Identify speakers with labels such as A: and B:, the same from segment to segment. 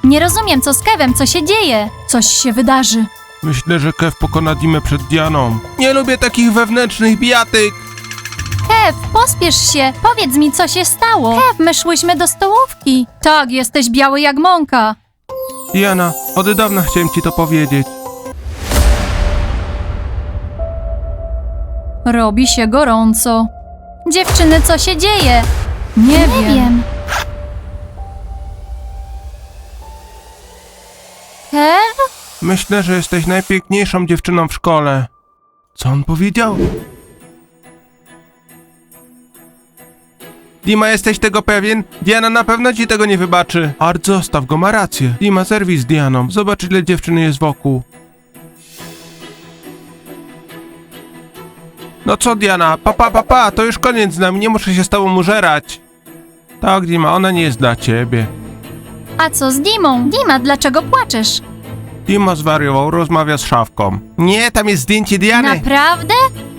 A: Nie rozumiem, co z Kevem, co się dzieje. Coś się wydarzy.
B: Myślę, że Kev pokona Dimę przed Dianą. Nie lubię takich wewnętrznych bijatyk.
A: Kev, pospiesz się. Powiedz mi, co się stało. Kev, my szłyśmy do stołówki. Tak, jesteś biały jak mąka.
B: Diana, od dawna chciałem ci to powiedzieć.
A: Robi się gorąco. Dziewczyny, co się dzieje? Nie wiem. Kev?
B: Myślę, że jesteś najpiękniejszą dziewczyną w szkole. Co on powiedział? Dima, jesteś tego pewien? Diana na pewno ci tego nie wybaczy. Art, zostaw go, ma rację. Dima, zerwij z Dianą. Zobacz, ile dziewczyn jest wokół. No co, Diana? Pa, to już koniec z nami, nie muszę się z tobą użerać. Tak, Dima, ona nie jest dla ciebie.
A: A co z Dimą? Dima, dlaczego płaczesz?
B: Dima zwariował, rozmawia z szafką. Nie, tam jest zdjęcie Diany.
A: Naprawdę?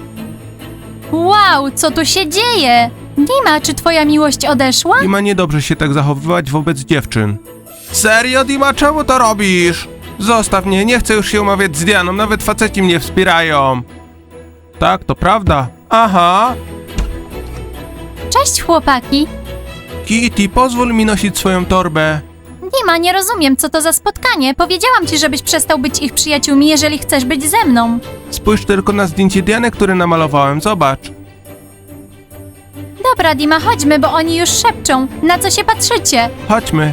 A: Wow, co tu się dzieje? Dima, czy twoja miłość odeszła?
B: Dima, niedobrze się tak zachowywać wobec dziewczyn. Serio, Dima, czemu to robisz? Zostaw mnie, nie chcę już się umawiać z Dianą, nawet faceci mnie wspierają. Tak, to prawda. Aha.
A: Cześć, chłopaki.
B: Kitty, pozwól mi nosić swoją torbę.
A: Dima, nie rozumiem, co to za spotkanie. Powiedziałam ci, żebyś przestał być ich przyjaciółmi, jeżeli chcesz być ze mną.
B: Spójrz tylko na zdjęcie Diany, które namalowałem, zobacz.
A: Dobra, Dima, chodźmy, bo oni już szepczą. Na co się patrzycie?
B: Chodźmy.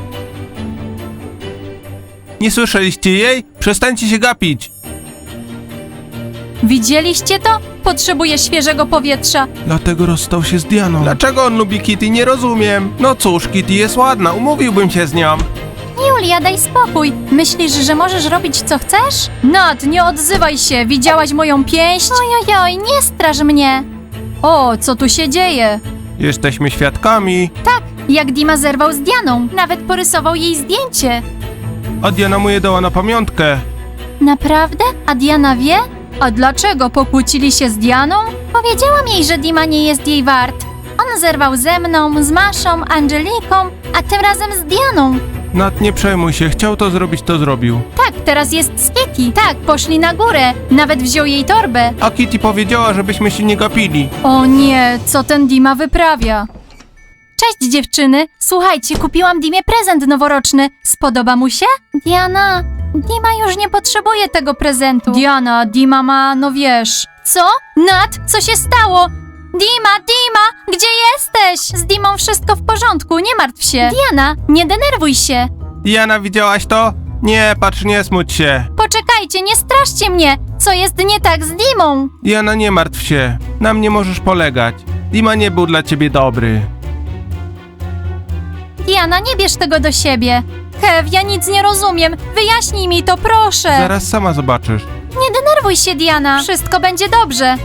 B: Nie słyszeliście jej? Przestańcie się gapić.
A: Widzieliście to? Potrzebuję świeżego powietrza.
B: Dlatego rozstał się z Dianą. Dlaczego on lubi Kitty? Nie rozumiem. No cóż, Kitty jest ładna, umówiłbym się z nią.
A: Julia, daj spokój. Myślisz, że możesz robić co chcesz? Nat, nie odzywaj się. Widziałaś moją pięść? Ojojoj, nie straż mnie. O, co tu się dzieje?
B: Jesteśmy świadkami.
A: Tak, jak Dima zerwał z Dianą. Nawet porysował jej zdjęcie.
B: A Diana mu je dała na pamiątkę.
A: Naprawdę? A Diana wie? A dlaczego pokłócili się z Dianą? Powiedziałam jej, że Dima nie jest jej wart. On zerwał ze mną, z Maszą, Angeliką, a tym razem z Dianą.
B: Nat, nie przejmuj się, chciał to zrobić, to zrobił.
A: Tak, teraz jest z Kitty. Tak, poszli na górę. Nawet wziął jej torbę.
B: A Kitty powiedziała, żebyśmy się nie gapili.
A: O nie, co ten Dima wyprawia? Cześć dziewczyny. Słuchajcie, kupiłam Dimie prezent noworoczny. Spodoba mu się? Diana, Dima już nie potrzebuje tego prezentu. Diana, Dima ma, no wiesz. Co? Nat, co się stało? Dima, gdzie jesteś? Z Dimą wszystko w porządku, nie martw się. Diana, nie denerwuj się.
B: Diana, widziałaś to? Nie, patrz, nie smuć się.
A: Poczekajcie, nie straszcie mnie. Co jest nie tak z Dimą?
B: Diana, nie martw się. Na mnie możesz polegać. Dima nie był dla ciebie dobry.
A: Diana, nie bierz tego do siebie. Kev, ja nic nie rozumiem. Wyjaśnij mi to, proszę.
B: Zaraz sama zobaczysz.
A: Nie denerwuj się, Diana. Wszystko będzie dobrze.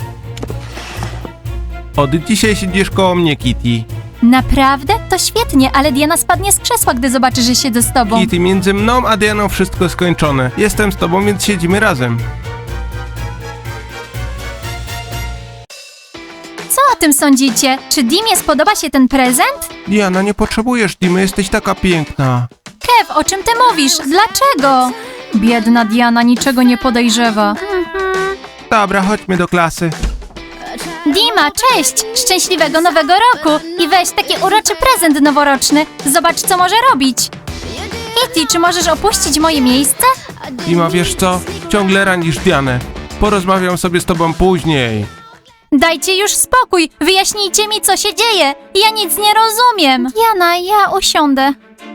B: Od dzisiaj siedzisz koło mnie, Kitty.
A: Naprawdę? To świetnie, ale Diana spadnie z krzesła, gdy zobaczy, że siedzę z tobą.
B: Kitty, między mną a Dianą wszystko skończone. Jestem z tobą, więc siedzimy razem.
A: Co o tym sądzicie? Czy Dimie spodoba się ten prezent?
B: Diana, nie potrzebujesz Dimy, jesteś taka piękna.
A: Kev, o czym ty mówisz? Dlaczego? Biedna Diana niczego nie podejrzewa.
B: Dobra, chodźmy do klasy.
A: Dima, cześć! Szczęśliwego nowego roku! I weź taki uroczy prezent noworoczny. Zobacz, co może robić. Kitty, czy możesz opuścić moje miejsce?
B: Dima, wiesz co? Ciągle ranisz Dianę. Porozmawiam sobie z tobą później.
A: Dajcie już spokój! Wyjaśnijcie mi, co się dzieje! Ja nic nie rozumiem! Diana, ja usiądę.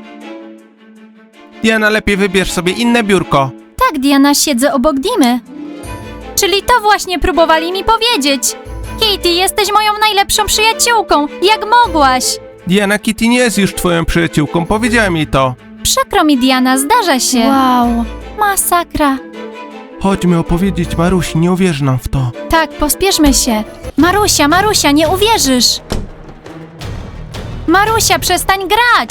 B: Diana, lepiej wybierz sobie inne biurko.
A: Tak, Diana, siedzę obok Dimy. Czyli to właśnie próbowali mi powiedzieć. Kitty, jesteś moją najlepszą przyjaciółką. Jak mogłaś?
B: Diana, Kitty nie jest już twoją przyjaciółką, powiedziałem jej to.
A: Przykro mi, Diana, zdarza się. Wow, masakra.
B: Chodźmy opowiedzieć Marusi, nie uwierzy nam w to.
A: Tak, pospieszmy się. Marusia, nie uwierzysz. Marusia, przestań grać.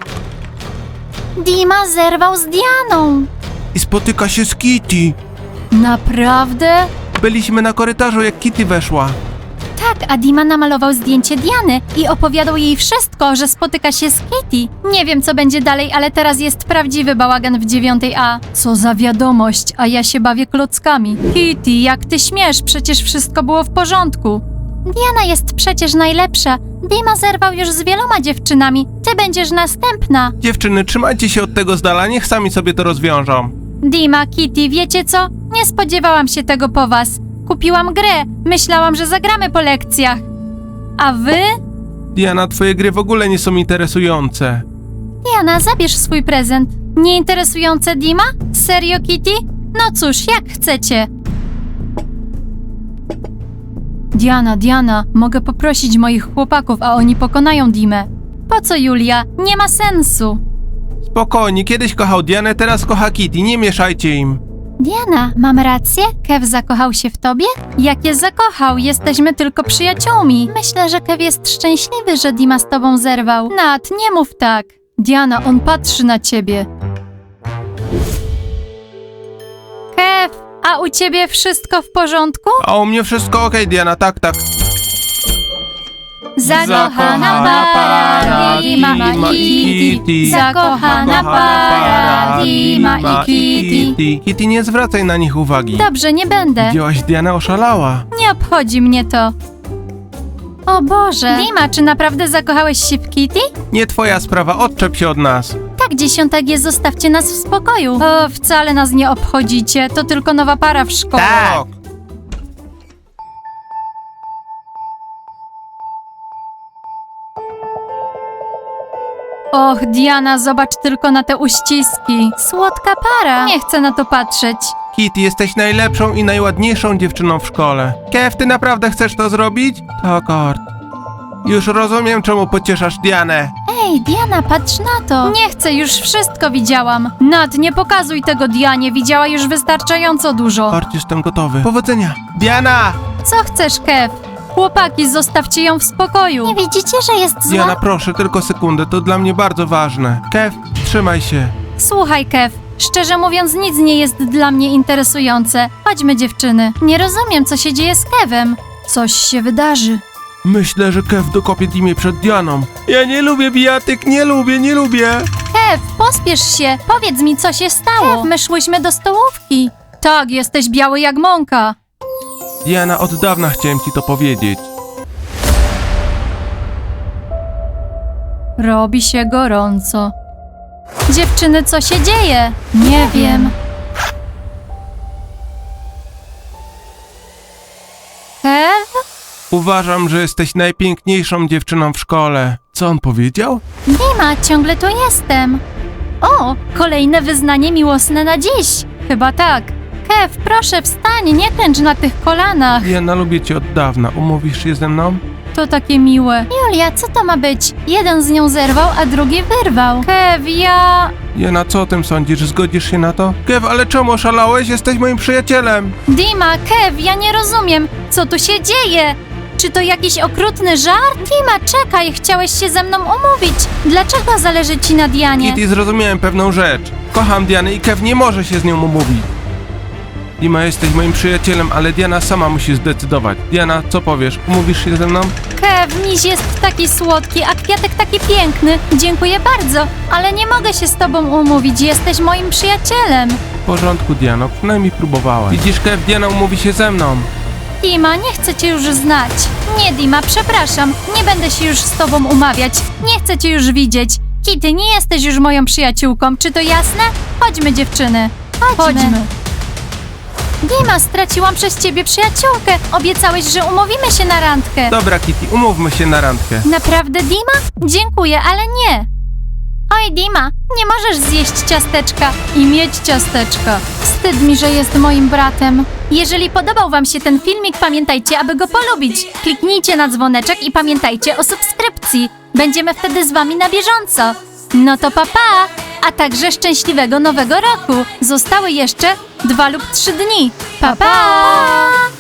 A: Dima zerwał z Dianą.
B: I spotyka się z Kitty.
A: Naprawdę?
B: Byliśmy na korytarzu, jak Kitty weszła.
A: Tak, a Dima namalował zdjęcie Diany i opowiadał jej wszystko, że spotyka się z Kitty. Nie wiem, co będzie dalej, ale teraz jest prawdziwy bałagan w 9A. Co za wiadomość, a ja się bawię klockami. Kitty, jak ty śmiesz? Przecież wszystko było w porządku. Diana jest przecież najlepsza. Dima zerwał już z wieloma dziewczynami. Ty będziesz następna.
B: Dziewczyny, trzymajcie się od tego z dala, niech sami sobie to rozwiążą.
A: Dima, Kitty, wiecie co? Nie spodziewałam się tego po was. Kupiłam grę. Myślałam, że zagramy po lekcjach. A wy?
B: Diana, twoje gry w ogóle nie są interesujące.
A: Diana, zabierz swój prezent. Nieinteresujące Dima? Serio, Kitty? No cóż, jak chcecie. Diana, mogę poprosić moich chłopaków, a oni pokonają Dimę. Po co, Julia? Nie ma sensu.
B: Spokojnie, kiedyś kochał Dianę, teraz kocha Kitty, nie mieszajcie im.
A: Diana, mam rację? Kev zakochał się w tobie? Jak je zakochał? Jesteśmy tylko przyjaciółmi. Myślę, że Kev jest szczęśliwy, że Dima z tobą zerwał. Nat, nie mów tak. Diana, on patrzy na ciebie. Kev, a u ciebie wszystko w porządku?
B: A u mnie wszystko okej, Diana, tak.
A: Zakochana para Dima i Kitty. Zakochana para Dima i Kitty.
B: Kitty, nie zwracaj na nich uwagi.
A: Dobrze, nie będę.
B: Widziałaś, Diana oszalała.
A: Nie obchodzi mnie to. O Boże. Dima, czy naprawdę zakochałeś się w Kitty?
B: Nie twoja sprawa, odczep się od nas.
A: Tak, 10G, zostawcie nas w spokoju. O, wcale nas nie obchodzicie. To tylko nowa para w szkole.
B: Tak.
A: Och, Diana, zobacz tylko na te uściski. Słodka para. Nie chcę na to patrzeć.
B: Kitty, jesteś najlepszą i najładniejszą dziewczyną w szkole. Kev, ty naprawdę chcesz to zrobić? Tak, Art. Już rozumiem, czemu pocieszasz Dianę.
A: Ej, Diana, patrz na to. Nie chcę, już wszystko widziałam. Nat, nie pokazuj tego Dianie, widziała już wystarczająco dużo.
B: Art, jestem gotowy. Powodzenia. Diana!
A: Co chcesz, Kev? Chłopaki, zostawcie ją w spokoju. Nie widzicie, że jest zła?
B: Diana, proszę, tylko sekundę, to dla mnie bardzo ważne. Kev, trzymaj się.
A: Słuchaj, Kev, szczerze mówiąc nic nie jest dla mnie interesujące. Chodźmy, dziewczyny. Nie rozumiem, co się dzieje z Kevem. Coś się wydarzy.
B: Myślę, że Kev dokopie Dimie przed Dianą. Ja nie lubię bijatyk, nie lubię.
A: Kev, pospiesz się. Powiedz mi, co się stało. Kev, my szłyśmy do stołówki. Tak, jesteś biały jak mąka.
B: Diana, od dawna chciałem ci to powiedzieć.
A: Robi się gorąco. Dziewczyny, co się dzieje? Nie wiem. Kev?
B: Uważam, że jesteś najpiękniejszą dziewczyną w szkole. Co on powiedział?
A: Dima, ciągle tu jestem. O, kolejne wyznanie miłosne na dziś. Chyba tak. Kev, proszę wstań, nie klęcz na tych kolanach.
B: Diana, lubię cię od dawna. Umówisz się ze mną?
A: To takie miłe. Julia, co to ma być? Jeden z nią zerwał, a drugi wyrwał. Kev, ja...
B: Diana, co o tym sądzisz? Zgodzisz się na to? Kev, ale czemu oszalałeś? Jesteś moim przyjacielem.
A: Dima, Kev, ja nie rozumiem. Co tu się dzieje? Czy to jakiś okrutny żart? Dima, czekaj, chciałeś się ze mną umówić. Dlaczego zależy ci na Dianie?
B: Kitty, zrozumiałem pewną rzecz. Kocham Dianę i Kev nie może się z nią umówić. Dima, jesteś moim przyjacielem, ale Diana sama musi zdecydować. Diana, co powiesz? Umówisz się ze mną?
A: Kev, miś jest taki słodki, a kwiatek taki piękny. Dziękuję bardzo, ale nie mogę się z tobą umówić. Jesteś moim przyjacielem.
B: W porządku, Diano, przynajmniej próbowałem. Widzisz, Kev, Diana umówi się ze mną.
A: Dima, nie chcę cię już znać. Nie, Dima, przepraszam. Nie będę się już z tobą umawiać. Nie chcę cię już widzieć. Kitty, nie jesteś już moją przyjaciółką. Czy to jasne? Chodźmy, dziewczyny. Chodźmy. Dima, straciłam przez ciebie przyjaciółkę. Obiecałeś, że umówimy się na randkę.
B: Dobra, Kitty, umówmy się na randkę.
A: Naprawdę, Dima? Dziękuję, ale nie. Oj, Dima, nie możesz zjeść ciasteczka i mieć ciasteczka. Wstyd mi, że jest moim bratem. Jeżeli podobał wam się ten filmik, pamiętajcie, aby go polubić. Kliknijcie na dzwoneczek i pamiętajcie o subskrypcji. Będziemy wtedy z wami na bieżąco. No to pa, pa! A także szczęśliwego nowego roku. Zostały jeszcze 2 lub 3 dni. Pa, pa!